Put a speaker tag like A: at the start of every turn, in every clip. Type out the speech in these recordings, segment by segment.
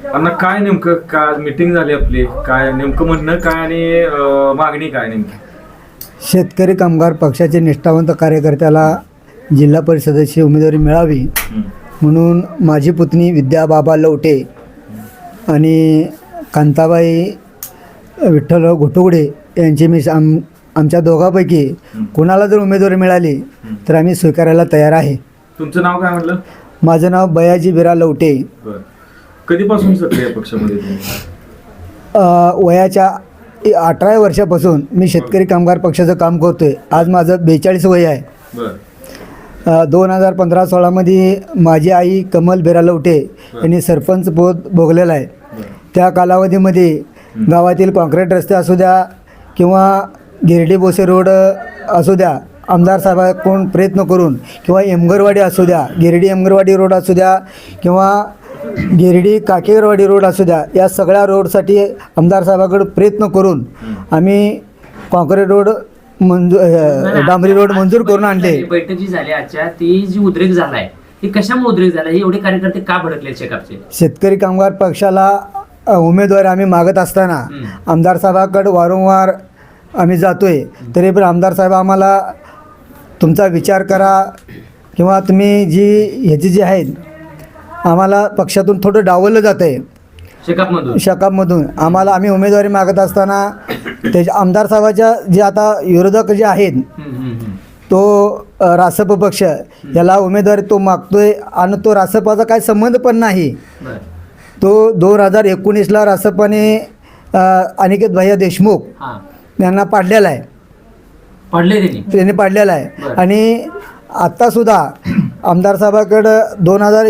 A: अण्णा काय नेमकं काय मीटिंग झाली आपली, काय नेमकं म्हणणं काय आणि मागणी काय नेमकी?
B: शेतकरी कामगार पक्षाचे निष्ठावंत कार्यकर्त्याला जिल्हा परिषदेची उमेदवारी मिळावी म्हणून माझी पुतणी विद्या बाबा लवटे आणि कांताबाई विठ्ठल घोटुगडे यांची मी आमच्या दोघांपैकी कोणाला जर उमेदवारी मिळाली तर आम्ही स्वीकारायला तयार आहे.
A: तुमचं नाव काय म्हटलं?
B: माझं नाव बयाजी बिरा लवटे.
A: बरं. कधीपासून सक्रिय पक्षामध्ये तुम्ही?
B: वयाच्या 18 वर्षापासून मी शेतकरी कामगार पक्षाचं काम करतोय. आज माझं 42 वय आहे.
A: बरं.
B: 2015-16मध्ये माझी आई कमल बिरा लवटे यांनी सरपंच पद भोगलेलं आहे. त्या कालावधीमध्ये गावातील कॉन्क्रीट रस्ते असू द्या किंवा गिरडी बोसे रोड असू द्या, आमदार साहेबांकडून प्रयत्न करून किंवा एमगरवाडी असू द्या, गिरडी एमगरवाडी रोड असू द्या किंवा गिरडी काकेरवाडी रोड असू द्या, या सगळ्या रोडसाठी आमदार साहेबांकडे प्रयत्न करून आम्ही कॉन्क्रीट रोड डांबरी रोड मंजूर करून आणले.
C: बैठक जी झाली आजच्या, ती जी उद्रेक झालाय ती कशामुळे उद्रेक झाला? हे एवढे कार्यकर्ते का भडकले शेकापचे?
B: शेतकरी कामगार पक्षाला उमेदवार आम्ही मागत असताना आमदार साहेबांकडे वारंवार आम्ही जातोय, तरी पण आमदार साहेब आम्हाला तुमचा विचार करा किंवा तुम्ही ह्याची जी आहेत आम्हाला पक्षातून थोडं डावललं जातं आहे. शकापमधून आम्ही उमेदवारी मागत असताना त्याच्या आमदार साहेबाच्या जे आता विरोधक जे आहेत तो रासप पक्ष याला उमेदवारी तो मागतोय आणि तो रासपाचा काही संबंध पण नाही. तो 2019ला रासपाने अनिकेत भैया देशमुख यांना पाडलेला आहे. त्यांनी पाडलेला आहे. आणि आत्तासुद्धा आमदार साहेबाकडं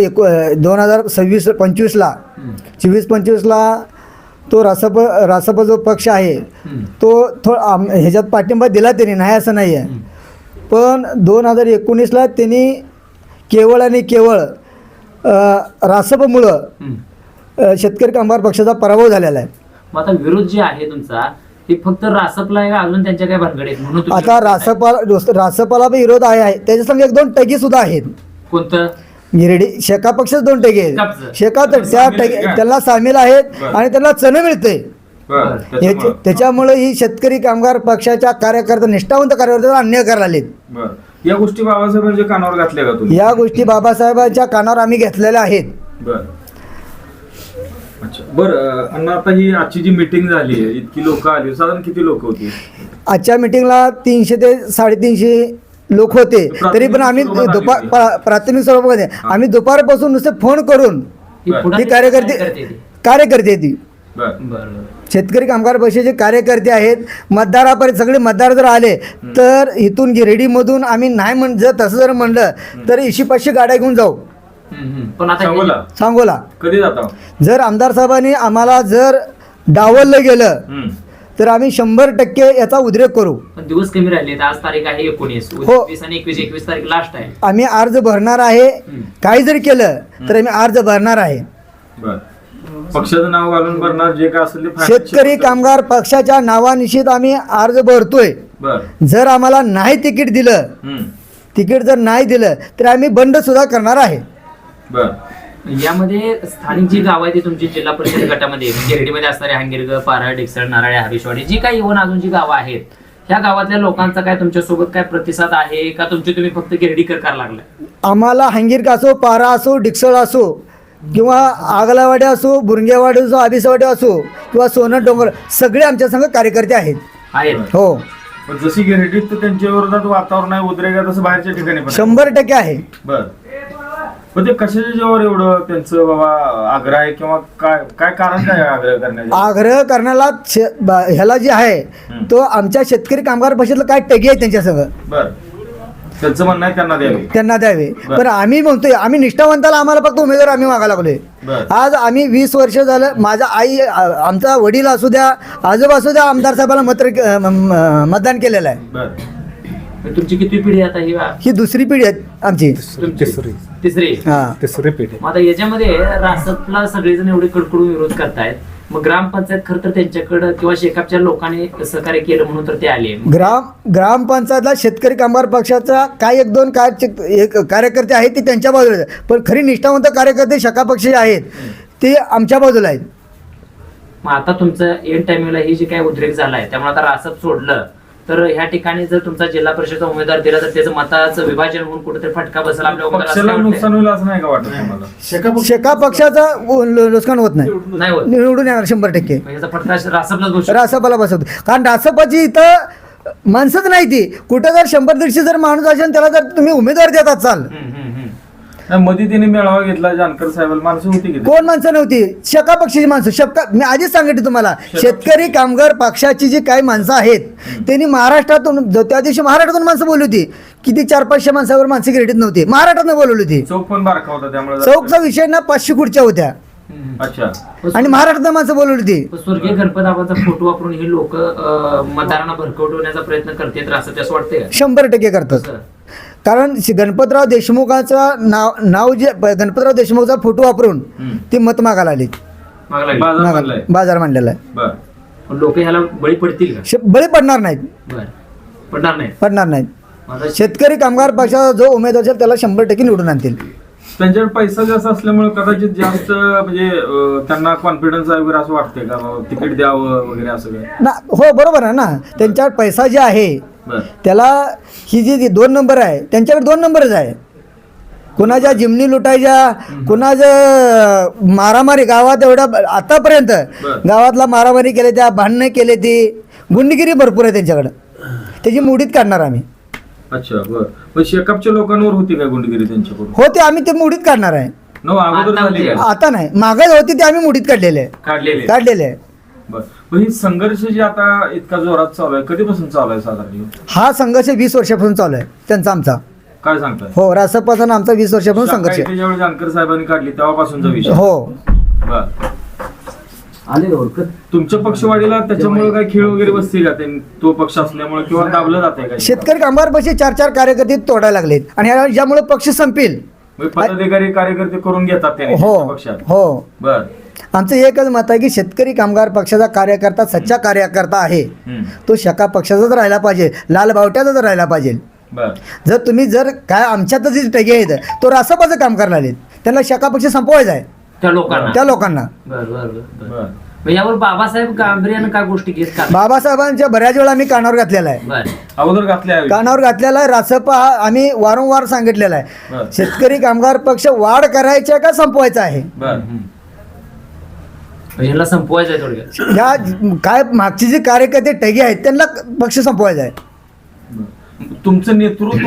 B: 2024-25ला तो रासप जो पक्ष आहे तो ह्याच्यात पाठिंबा दिला त्यांनी, नाही असं नाही आहे. पण 2019ला त्यांनी केवळ आणि केवळ रासपमुळं शेतकरी कामगार पक्षाचा पराभव झालेला आहे.
C: आता विरोध जे आहे तुमचा ते फक्त रासपला आहे, अजून त्यांच्या काय भानगड आहेत म्हणून
B: आता रासपाला विरोध आहे, त्याच्या संग 1-2 टगी सुद्धा आहेत.
C: कोणतं?
B: गिरडी शेका पक्षच 2 टगी आहेत. शेका तर त्या त्यांना सामील आहेत आणि त्यांना चण मिळते. त्याच्यामुळे ही शेतकरी कामगार पक्षाच्या कार्यकर्ते निष्ठावंत कार्यकर्त्याला अन्याय करायला आलेत.
A: या गोष्टी बाबासाहेबांच्या कानावर घातल्या का तुम्ही?
B: या गोष्टी बाबासाहेबांच्या कानावर आम्ही घेतलेल्या आहेत.
A: अच्छा. बरं अण्णा, आता ही आजची जी मीटिंग झाली आहे, इतकी लोक आली, साधारण किती लोक होती
B: आजच्या मीटिंगला? 300 ते 350 लोक होते. तरी पण आम्ही प्राथमिक स्वरूपामध्ये आम्ही दुपारपासून नुसते फोन करून ही कार्यकर्ते ती शेतकरी कामगार पक्षाचे कार्यकर्ते आहेत. मतदारापर्यंत सगळे मतदार जर आले तर इथून गिरडीमधून आम्ही नाही जर तसं जर म्हणलं तर 100-500 गाड्या घेऊन जाऊ.
C: पण आता
B: सांगोला
A: कधी जाता?
B: जर आमदार साहेबांनी आम्हाला जर डावललं गेलं तर आम्ही 100% याचा उद्रेक करू.
C: पण दिवस कमी राहिले, आज तारीख आहे 19, 20 आणि 21 तारीख लास्ट आहे.
B: आम्ही अर्ज भरणार आहे. काही जरी केलं तर आम्ही अर्ज भरणार आहे.
A: पक्षाचं नाव घालून भरणार, जे काय असेल ते.
B: शेतकरी कामगार पक्षाच्या नावानिश्चित आम्ही अर्ज भरतोय. जर आम्हाला नाही तिकीट जर नाही दिलं तर आम्ही बंड सुद्धा करणार आहे.
C: यामध्ये स्थानिक जी गाव आहे ती तुमची जिल्हा परिषद गटामध्ये गिरडीमध्ये असणारे हांगिरग, पारळ, डेक्सळ, नाराळे, हरीशवाडी जी काही इव्हन अजून जी गावं आहेत, ह्या गावातल्या लोकांचा काय तुमच्यासोबत काय प्रतिसाद आहे का? तुम्ही फक्त गिरडीकर करायला लागलाय?
B: आम्हाला हांगिरग असो, पारा असो, डिक्सळ असो किंवा आगलावाडी असो, बुरंगेवाडी असो, आबिसवाडी असो किंवा सोनं डोंगर, सगळे आमच्या संघ कार्यकर्ते आहेत. हो.
A: जशी गिरडीत तर त्यांच्या विरोधात वातावरण आहे उद्रेक, तसं बाहेरच्या ठिकाणी
B: 100% आहे.
A: पण ते कशाच्या जेव्हा एवढं त्यांचं बाबा आग्रह आहे किंवा काय कारण काय आग्रह करण्याचं?
B: आग्रह करण्याला ह्याला जे आहे तो आमच्या शेतकरी कामगार पक्षातलं काय टगी आहे त्यांच्या संग.
A: त्यांचं म्हणणं आहे
B: त्यांना द्यावे. पण आम्ही म्हणतोय आम्ही निष्ठावंताला आम्हाला फक्त उमेदवार आम्ही मागायला लागलोय. आज आम्ही 20 वर्ष झालं, माझा आई, आमचा वडील असू द्या, आजोबा असू द्या, आमदार साहेबांना मतदान केलेलं आहे.
C: तुमची किती पिढी आता? ही
B: दुसरी पिढी आहे आमची.
C: तिसरी पिढी. आता याच्यामध्ये रासपला सगळेजण एवढे कडकडून विरोध करतायत, मग ग्रामपंचायत खरं तर त्यांच्याकडं किंवा शेकापच्या लोकांनी सहकार्य केलं म्हणून तर ते आले.
B: ग्रामपंचायतला शेतकरी कामगार पक्षाचा काय 1-2 कार्यकर्ते आहेत ते त्यांच्या बाजूला, पण खरी निष्ठावंत कार्यकर्ते शेका पक्षाचे आहेत ते आमच्या बाजूला आहेत.
C: मग आता तुमचं एंड टाइमिंगला ही जी काही उद्रेक झालाय त्यामुळे आता रासप सोडलं तर ह्या ठिकाणी जर तुमचा जिल्हा परिषदचा उमेदवार दिला तर त्याचं मताचं विभाजन होऊन कुठेतरी फटका बसेल आपल्या उमेदवाराला असं
A: पक्षाला
C: काय
A: नुकसान
C: वाटतंय?
A: होईल असं नाही का वाटत तुम्हाला?
B: शेका पक्षाचा नुकसान होत नाही,
C: नाही होत
B: निवडून येणार 100%.
C: मग याचा फटका रासपलाच बसू शकतो.
B: रासपाला बसवतो, कारण रासपाची इथं माणसंच नाही ती. कुठं जर 100-150 जर माणूस असेल त्याला जर तुम्ही उमेदवार देतात चाल,
A: नाही, मध्ये त्यांनी मेळावा घेतला जानकर साहेबांना, माणसं होती की
B: कोण माणसं नव्हती? शेका पक्षाची माणसं. मी आधीच सांगितलं तुम्हाला, शेतकरी कामगार पक्षाची जी काही माणसं आहेत त्यांनी महाराष्ट्रातून त्या दिवशी महाराष्ट्रातून माणसं बोलली होती. किती 400-500 माणसावर माणसं क्रेडिट नव्हती, महाराष्ट्रातून बोलवली होती.
A: चौक पण बारका होता त्यामुळे
B: चौकचा विषय ना 500 खुर्च्या होत्या
A: अच्छा.
B: आणि महाराष्ट्रात माणसं बोलवली होती.
C: स्वर्गीय गणपतबाबांचा फोटो वापरून हे लोक मतदारांना भरकवण्याचा प्रयत्न करतात रासप, असं वाटतंय का?
B: 100% करतात.
C: सर,
B: कारण गणपतराव देशमुखाचा नाव जे गणपतराव देशमुखचा फोटो वापरून ती मत मागायला आली,
C: मागं लागली.
A: बाजार बनलाय.
B: बाजार मांडलेला आहे.
A: बर.
C: पण लोक ह्याला बळी पडतील का?
B: बळी पडणार नाहीत,
C: बर, पडणार नाही.
B: पडणार नाहीत.
C: माझा
B: शेतकरी कामगार पक्षाचा जो उमेदवार असेल त्याला 100% निवडून आणतील.
A: त्यांच्याकडे पैसा जास्त असल्यामुळे कदाचित जास्त म्हणजे त्यांना कॉन्फिडन्स आहे वगैरे असं वाटतंय का बाबा तिकीट द्यावं वगैरे असं काय?
B: ना हो, बरोबर आहे ना. त्यांच्यावर पैसा जे आहे
A: बर.
B: त्याला ही जी 2 नंबर आहे त्यांच्याकडे 2 नंबरच आहे. कुणाच्या जिमनी लुटायच्या, कुणाचं मारामारी गावात एवढा आतापर्यंत
A: बरं.
B: गावातला मारामारी केले, त्या भांडणं केले, ती गुंडगिरी भरपूर आहे त्यांच्याकडं. त्याची मुडीत काढणार आम्ही.
A: अच्छा बर. पण शेकअपच्या लोकांवर होती काय गुंडगिरी त्यांच्याकडून?
B: हो, ते आम्ही ते मुडीत काढणार आहे.
A: नो अगोदर
C: आता
A: झाली काय?
B: आता नाही, मागायला होती ते आम्ही मुडीत काढलेले आहे,
A: काढलेले.
B: काढलेले आहे.
A: बर. पण ही संघर्ष जी आता इतका जोरात चालू आहे कधीपासून चालू आहे साधारण?
B: हा संघर्ष 20 वर्षापासून चालू आहे त्यांचा, आमचा.
A: काय सांगताय?
B: हो, रासपासून आमचा 20 वर्षापासून संघर्ष आहे.
A: ज्यावेळी जानकर साहेबांनी काढली तेव्हापासूनचा विषय.
B: हो,
A: बर.
C: आले ओळखत.
A: तुमच्या पक्षवाडीला त्याच्यामुळे काय खेळ वगैरे बसते का तो पक्ष असल्यामुळे किंवा दाबलं जाते का?
B: शेतकरी कामगार पक्षी 4-4 कार्यकर्ते तोडायला लागलेत आणि ज्यामुळे पक्ष संपेल.
A: म्हणजे पदाधिकारी कार्यकर्ते करून घेतात त्याने
B: हो
A: त्या पक्षात.
B: हो,
A: बर.
B: आमचं एकच मत आहे की शेतकरी कामगार पक्षाचा कार्यकर्ता सच्चा कार्यकर्ता आहे तो शका पक्षाचाच राहिला पाहिजे, लाल बावट्याचाच राहिला पाहिजे.
A: बर.
B: जर तुम्ही जर काय आमच्यातच जे टगे आहेत तो रासपाचं काम करायला आलेत, त्यांना शका पक्ष संपवायचा आहे
C: त्या लोकांना.
B: त्या लोकांना.
C: बर बर बर.
A: बर.
C: मग यावर बाबासाहेब गांभीर्यानं काय गोष्टी घेत का?
B: बाबासाहेबांच्या बऱ्याच वेळा आम्ही कानावर घातलेला आहे,
C: बर.
A: अगोदर घातले आहे.
B: कानावर घातलेला आहे. रासपा हा आम्ही वारंवार सांगितलेला आहे,
A: बर.
B: शेतकरी कामगार पक्ष वाढ करायचा का संपवायचा आहे.
A: बर.
C: याला संपवायचं आहे थोडक्यात.
B: ह्या काय मागचे जे कार्यकर्ते टगे आहेत त्यांना पक्ष संपवायचा आहे.
A: तुमचं नेतृत्व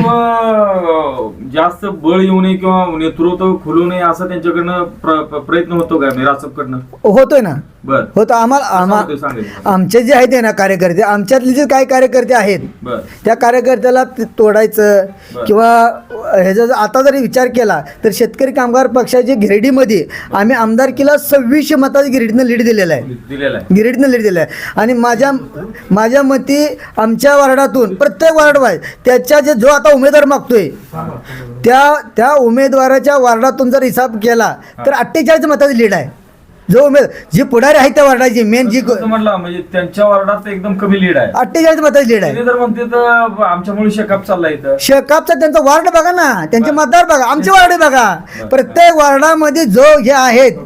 A: जास्त बळ येऊ नये किंवा नेतृत्व खुलू नये असं त्यांच्याकडनं प्रयत्न होतो का रासपकडनं?
B: होतोय ना,
A: बर.
B: होतं.
A: होतोय, सांगितलं.
B: आमचे जे आहेत ना कार्यकर्ते, आमच्यातले जे काही कार्यकर्ते आहेत
A: बर.
B: त्या कार्यकर्त्याला तोडायचं
A: बरं.
B: किंवा ह्याचा आता जरी विचार केला तर शेतकरी कामगार पक्षाच्या गिरडीमध्ये आम्ही आमदारकीला 2600 मताच्या गिरडीनं लीड दिलेला आहे,
A: दिलेला आहे.
B: गिरीडनं लीड दिलं आहे. आणि माझ्या मते आमच्या वार्डातून प्रत्येक वार्ड वाईज त्याच्या जो आता उमेदवार मागतोय त्या उमेदवाराच्या वार्डातून जर हिसाब केला तर 48 मताची लीड आहे. जो जी पुढारी आहे त्या वार्डाची मेन जी
A: तसं म्हटलं म्हणजे त्यांच्या वार्डात एकदम कमी लीड आहे.
B: 48 मताची लीड आहे.
A: त्यांनी जर म्हणते तर आमच्यामुळे शेकअप चाललाय इथं.
B: शेकापचा त्यांचा वार्ड बघा ना, त्यांचे मतदार बघा, आमचे वार्ड बघा. प्रत्येक वार्डामध्ये जो हे आहेत,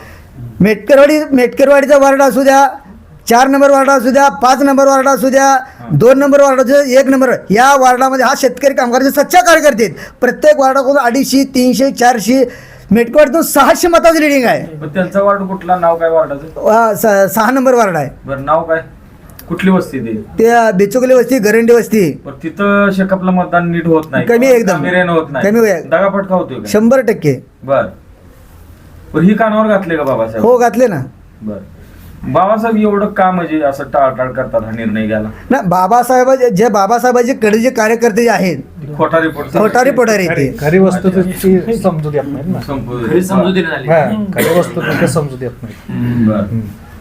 B: मेटकरवाडीचा वार्ड असू द्या, 4 नंबर वार्ड असू द्या, 5 नंबर वार्ड असू द्या, 2 नंबर वार्ड असू द्या, 1 नंबर, या वार्डामध्ये हा शेतकरी कामगाराचे सच्चा कार्यकर्ते आहेत. प्रत्येक वार्डाकडून 250, 300, 400, मेटकरवाडीतून 600 मताची लिडिंग आहे.
A: पण त्यांचा वार्ड कुठला? नाव काय वार्डाचं?
B: 6 नंबर वार्ड आहे.
A: बरं. नाव काय? कुठली वस्ती
B: ते बेचुकली वस्ती, गरंडी वस्ती.
A: पण तिथं शेकअपला मतदान नीट होत नाही,
B: कमी एकदम.
A: गांभीर्यानं होत नाही,
B: कमी आहे.
A: दगाफटका होतोय का?
B: 100%.
A: बर. पण ही कानावर घातले का बाबासाहेब?
B: हो, घातले ना.
A: बर. बाबासाहेब एवढं का म्हणजे असं टाळटाळ करतात हा निर्णय घ्यायला?
B: ना, बाबासाहेबाचे कडे जे कार्यकर्ते जे आहेत
A: खोटा रिपोर्ट
B: खोटारी पोटारी ते
D: खरी वस्तुस्थिती समजू देत नाहीत ना.
C: खरी समजुतीने झाली.
D: हा, खरी वस्तुस्थिती समजू देत नाही.
A: बर.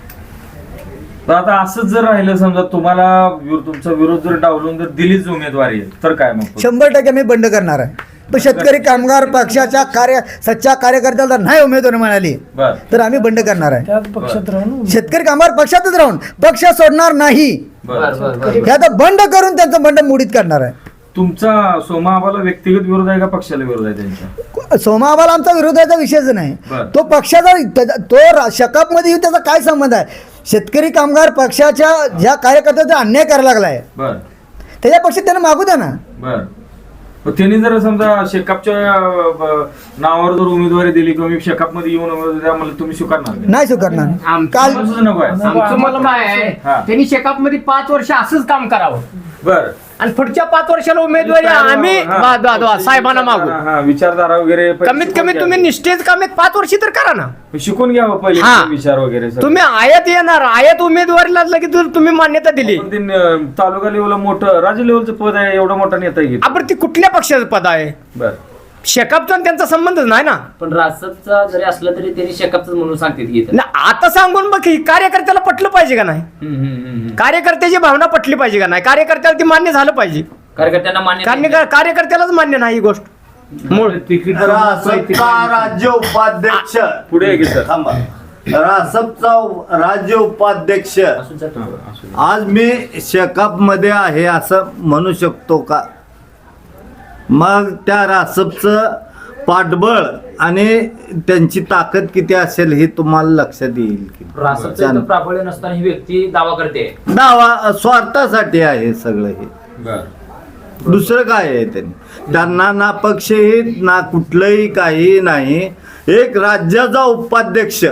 A: तर आता असंच जर राहिलं, समजा तुम्हाला तुमचा विरोध जर डावलून जर दिलीच उमेदवारी तर काय मग?
B: 100% मी बंड करणार आहे. पण शेतकरी कामगार पक्षाच्या सच्चा कार्यकर्त्याला नाही उमेदवार मिळाली
A: बर.
B: तर आम्ही बंड करणार आहे.
D: त्याच पक्षात राहून
B: शेतकरी कामगार पक्षातच राहून पक्ष सोडणार नाही.
C: बर बर बर.
B: हे आता बंड करून त्यांचं बंड मुडीत करणार आहे.
A: तुमचा सोमा आबाला व्यक्तिगत विरोध आहे का पक्षाला विरोध आहे त्यांच्या?
B: सोमाबाला आमचा विरोधाचा विषयच नाही.
A: बरं.
B: तो पक्षाचा तो शकअपमध्ये येऊन त्याचा काय संबंध आहे? शेतकरी कामगार पक्षाच्या ज्या कार्यकर्त्याचा अन्याय करायला लागलाय
A: बर
B: त्याच्या पक्षात त्यांना मागू द्या ना.
A: बर मग त्यांनी जर समजा शेकापच्या नावावर जर उमेदवारी दिली किंवा मी शेकाप मध्ये येऊन उमेदवारी द्या मला तुम्ही स्वीकारणार का?
B: नाही स्वीकारणार. काल
A: असंच नको आहे.
E: आमचं मत काय आहे
A: हा.
E: त्यांनी शेकाप मध्ये 5 वर्ष असंच काम करावं
A: बर
E: आणि पुढच्या 5 वर्षाला उमेदवारी आम्ही साहेबांना मागू.
A: हा, विचारधारा वगैरे
E: कमीत कमी तुम्ही निष्ठेच कमीत 5 वर्षी तर करा ना.
A: शिकून घ्यावं पहिले
E: हा.
A: विचार वगैरे सगळं.
E: तुम्ही आयात येणार आयात उमेदवारीला लगेच जर तुम्ही मान्यता दिली
A: पण ते तालुका लेवलला मोठं राज्य लेवलचं पद आहे एवढा मोठा नेता घेत.
E: आपण ती कुठल्या पक्षाचं पद आहे?
A: बर
E: शेकापचा आणि त्यांचा संबंधच नाही ना.
C: पण रासपचा जरी असलं तरी त्यांनी शेकापचं म्हणून सांगते की इथं.
E: ना, आता सांगून बघ की कार्यकर्त्याला पटलं पाहिजे का नाही? कार्यकर्त्याची भावना पटली पाहिजे का नाही? कार्यकर्त्याला ती मान्य झालं पाहिजे.
C: कार्यकर्त्यांना मान्य
E: कारण
C: नाही.
E: कार्यकर्त्यालाच मान्य नाही ही गोष्ट. मूळ
A: तिकीट
F: रासपचा राज्य उपाध्यक्ष
A: पुढे आहे की सर?
F: थांबा. रासपचा राज्य उपाध्यक्ष
C: असू शकतं.
F: आज मी शेकाप मध्ये आहे असं म्हणू शकतो का? मग त्या रासपचं पाठबळ आणि त्यांची ताकद किती असेल हे तुम्हाला लक्षात येईल की
C: रासपचं इथं प्राबल्य नसताना ही व्यक्ती दावा करते.
F: दावा स्वार्थासाठी आहे सगळं हे.
A: बर
F: दुसरं काय आहे त्यांना ना पक्षहित ना कुठलंही काही नाही. एक राज्याचा उपाध्यक्ष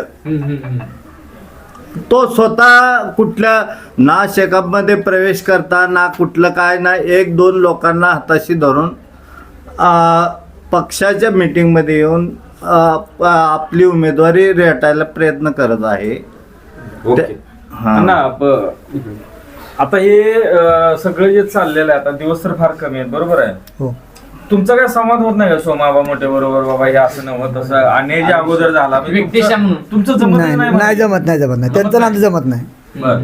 F: तो स्वतः कुठल्या ना शेकापमध्ये प्रवेश करता ना कुठलं काय ना 1-2 लोकांना हाताशी धरून पक्षाच्या मीटिंगमध्ये येऊन आपली उमेदवारी रेटायला प्रयत्न करत आहे.
A: ओके
F: हा.
A: ना आता हे सगळं जे चाललेलं आहे आता दिवस तर फार कमी आहेत बरोबर आहे.
B: हो
A: तुमचा काय संवाद होत नाही का सोमाबा मोठे बरोबर बाबा हे असं नव्हतं तसं अन्याय जे अगोदर झाला म्हणजे
C: व्यक्तिशः म्हणून.
A: तुमचं जमत
B: नाही नाही जमत नाही त्यांचं नाम जमत नाही.
A: बर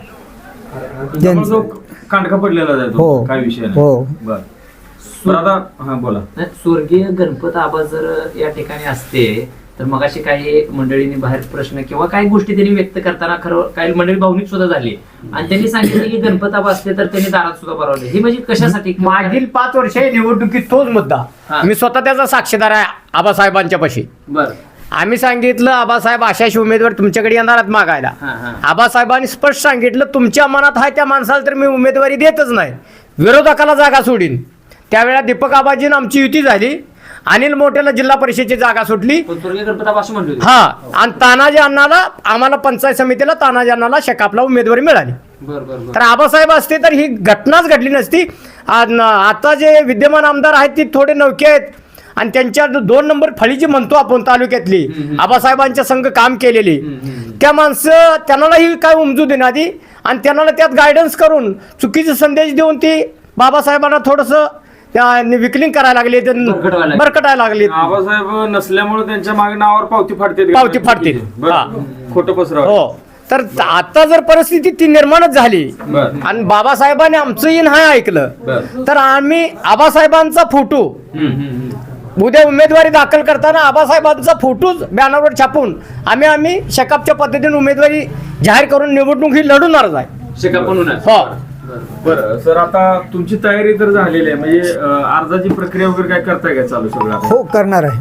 A: त्यामुळे जो कांडका पडलेला आहे तो,
B: हो.
A: काय विषय
B: हो.
A: नाही. बर बरं आता हा बोला.
C: नाही, स्वर्गीय गणपत आबा जर या ठिकाणी असते तर मगाशी काही मंडळींनी बाहेर प्रश्न किंवा काही गोष्टी त्यांनी व्यक्त करताना खरं काही मंडळी भावनिक सुद्धा झाली आणि त्यांनी सांगितलं की गणपत आबा असते तर त्यांनी दारात सुद्धा भरवले. ही म्हणजे कशासाठी?
E: मागील 5 वर्ष निवडणुकीत तोच मुद्दा.
C: हा.
E: मी स्वतः त्याचा साक्षीदार आहे आबासाहेबांच्या पाशी.
C: बर
E: आम्ही सांगितलं आबासाहेब अशाशी उमेदवार तुमच्याकडे येणारात मागायला.
C: हा, हा.
E: आबासाहेबांनी स्पष्ट सांगितलं तुमच्या मनात आहे त्या माणसाला तर मी उमेदवारी देतच नाही, विरोधकाला जागा सोडीन. त्यावेळेला दीपक आबाजीनं आमची युती झाली, अनिल मोठेला जिल्हा परिषदेची जागा सुटली.
C: पण स्वर्गीय गणपत आबा असं म्हणले होते.
E: हा आणि तानाजी अण्णाला आम्हाला पंचायत समितीला तानाजी अण्णाला शेकापला उमेदवारी मिळाली.
C: बर बर बर
E: तर आबासाहेब असते तर ही घटनाच घडली नसती. आता जे विद्यमान आमदार आहेत ती थोडे नवके आहेत आणि त्यांच्या 2 नंबर फळी जी म्हणतो आपण तालुक्यातली आबासाहेबांच्या संघ काम केलेली त्या माणसं त्यांना ही काय उमजू देणार आधी आणि त्यांना त्यात गायडन्स करून चुकीचे संदेश देऊन ती बाबासाहेबांना थोडंसं विकलिंग करायला लागले, बरकटायला लागले.
A: आबासाहेब नसल्यामुळे त्यांच्या मागे नावावर पावती फाडतील.
E: हा.
A: खोटं पसरव.
E: हो तर आता जर परिस्थिती ती निर्माणच झाली
A: बर.
E: आणि बाबासाहेबांनी आमचं इन हाय ऐकलं
A: बर.
E: तर आम्ही आबासाहेबांचा फोटो उद्या उमेदवारी दाखल करताना आबासाहेबांचा फोटो बॅनरवर छापून आम्ही शेकापच्या पद्धतीने उमेदवारी जाहीर करून निवडणूक ही लढवणारच आहे.
C: शेकाप म्हणून
E: हो
A: बरं सर आता तुमची तयारी तर झालेली आहे म्हणजे अर्जाची प्रक्रिया वगैरे काय करताय काय चालू सगळं आता?
B: हो करणार आहे.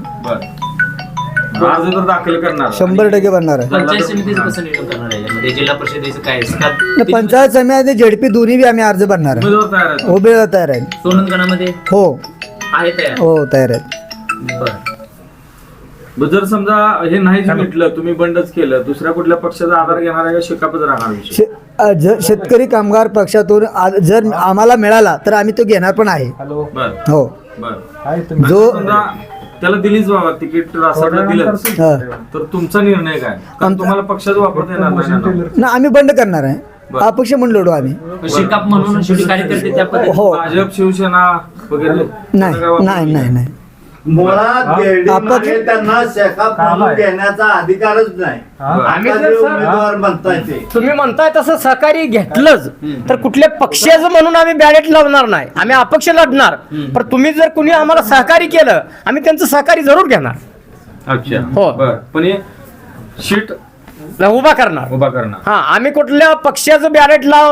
A: बरं अर्ज तर दाखल करणार
B: 100% करणार आहे.
C: पंचायत समितीचं कसं नियोजन करणार आहे यामध्ये? जिल्हा परिषदेचं काय
B: आणि पंचायत समिती झेडपी दोन्ही बी आम्ही अर्ज भरणार आहे.
A: उमेदवार तयार आहेत.
B: उभे तयार आहे.
C: सोनंदगणामध्ये
B: हो
C: आहे तयार.
B: हो तयार आहे.
C: बर
A: बरं, जर समजा हे नाहीच मिटलं तुम्ही बंडच केलं दुसऱ्या कुठल्या पक्षाचा आधार घेणार आहे का शेकापच राहणार विषय?
B: शेतकरी कामगार पक्षातून जर आम्हाला मिळाला तर आम्ही तो घेणार पण आहे.
D: हॅलो
A: बर
B: हो
A: बर
D: आहे तुम्ही
B: जो
A: समजा त्याला दिलीच बाबा तिकीट रासाला दिलं
B: हा.
A: तर तुमचा निर्णय काय? कारण तुम्हाला पक्षाचा वापरता येणार नाही ना.
B: ना आम्ही बंड करणार आहे.
A: बरं.
B: अपक्ष म्हणून लढू आम्ही.
C: शेकाप म्हणून शेवटी कार्यकर्ते त्या पद्धतीने
B: हो
A: भाजप शिवसेना वगैरे
B: नाही नाही नाही
F: मुळात
B: अपक्ष-
F: मागे त्यांना शेकाप म्हणून घेण्याचा अधिकारच नाही.
E: आम्ही
F: आता
E: जर
F: जे
E: सर-
F: उमेदवार म्हणताय ते
E: तुम्ही म्हणताय तसं सहकारी घेतलंच तर कुठल्या पक्षाचं म्हणून आम्ही बॅलेट लावणार नाही, आम्ही अपक्ष लढणार. पण तुम्ही जर कुणी आम्हाला सहकारी केलं आम्ही त्यांचं सहकारी जरूर घेणार,
A: अच्छा
E: हो.
A: बर पण हे शीट
E: उभा करणार.
A: उभा करणार.
E: हा आम्ही कुठल्या पक्षाचं बॅलेट लावून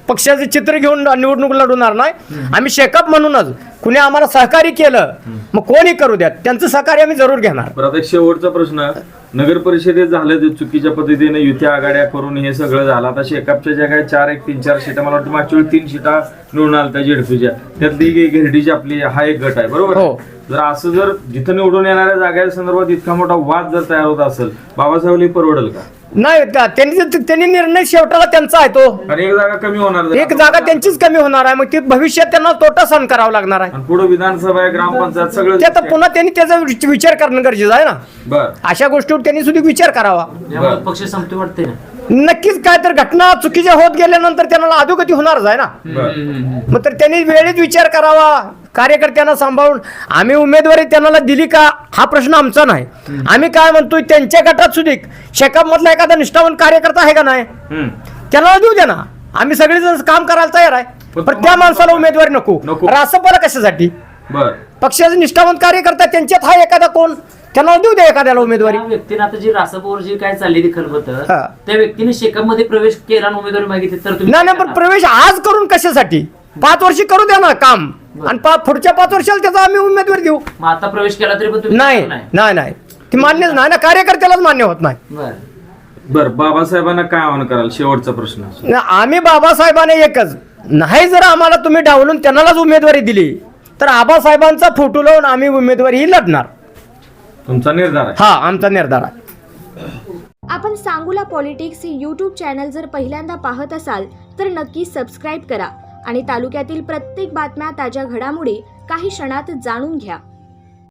E: पक्षाचे चित्र घेऊन निवडणूक लढवणार नाही. आम्ही शेकअप म्हणूनच कुणी आम्हाला सहकार्य केलं मग कोणी करू द्या त्यांचं सहकार्य आम्ही जरूर घेणार.
A: परत एक शेवटचा प्रश्न, नगर परिषदेत झालं जे चुकीच्या पद्धतीने युती आघाड्या करून हे सगळं झालं. आता शेकापच्या ज्या काही 4 1 3 4 सीटा, मला वाटतं मागच्या वेळी 3 सीटा निवडून आल्या त्या जेडपीच्या, त्यातली गिरडीची आपली हा एक गट आहे बरोबर.
E: हो.
A: जर असं जर जिथं निवडून येणाऱ्या जागा संदर्भात इतका मोठा वाद जर तयार होत असेल, बाबासाहेब परवडेल का?
E: नाही त्यांनी निर्णय शेवटाला त्यांचा आहे तो.
A: आणि एक जागा कमी होणार,
E: एक जागा त्यांचीच कमी होणार आहे, मग ते भविष्यात त्यांना तोटा सहन करावा लागणार आहे.
A: आणि पुढे विधानसभा आहे, ग्रामपंचायत सगळं
E: ते आता पुन्हा त्यांनी त्याचा विचार करणं गरजेचं आहे ना.
A: बर.
E: अशा गोष्टीवर त्यांनी सुद्धा विचार करावा.
C: यामुळे पक्ष संपते वाटते ना.
E: नक्कीच काय तर घटना चुकीच्या होत गेल्यानंतर त्यांना अधोगती होणारच आहे ना.
A: बर.
E: मग तर त्यांनी वेळेत विचार करावा, कार्यकर्त्यांना सांभाळून. आम्ही उमेदवारी त्यांना दिली का हा प्रश्न आमचा नाही. आम्ही काय म्हणतोय त्यांच्या गटात सुद्धा शेकाप मधला एखादा निष्ठावंत कार्यकर्ता आहे का नाही, त्यांना देऊ द्या ना. आम्ही सगळेजण काम करायला तयार आहे, पण त्या माणसाला उमेदवारी नको. रासपाला कशासाठी?
A: बर.
E: पक्षाचे निष्ठावंत कार्यकर्ता त्यांच्यात हा एखादा कोण, त्यांना देऊ द्या एखाद्याला उमेदवारी.
C: त्या व्यक्तीने आता जी रासपवर जी काय चालली ती खलबत,
E: हा.
C: त्या व्यक्तीने शेकअप मध्ये प्रवेश केला आणि उमेदवारी मागितली तर तुम्ही
E: नाही
C: काय
E: पण
C: करणार?
E: प्रवेश आज करून कशासाठी? 5 वर्षी करू द्या ना काम, आणि पुढच्या 5 वर्षाला त्याचा आम्ही उमेदवारी देऊ.
C: मग आता प्रवेश केला तरी पण तुम्ही
E: नाही नाही नाही ती मान्यच नाही ना, कार्यकर्त्यालाच मान्य होत नाही.
C: बरं.
A: बर. बाबासाहेबांना काय आव्हान कराल? शेवटचा प्रश्न.
E: आम्ही बाबासाहेबांना एकच, नाही जर आम्हाला तुम्ही डावलून त्यांनाच उमेदवारी दिली तर आबासाहेबांचा फोटो लावून आम्ही उमेदवारी ही लढणार.
A: तुमचा निर्धार आहे?
E: हा आमचा निर्धार आहे.
G: आपण सांगूला पॉलिटिक्स हे यूट्यूब चॅनल जर पहिल्यांदा पाहत असाल तर नक्की सबस्क्राईब करा आणि तालुक्यातील प्रत्येक बातम्या, ताज्या घडामोडी काही क्षणात जाणून घ्या.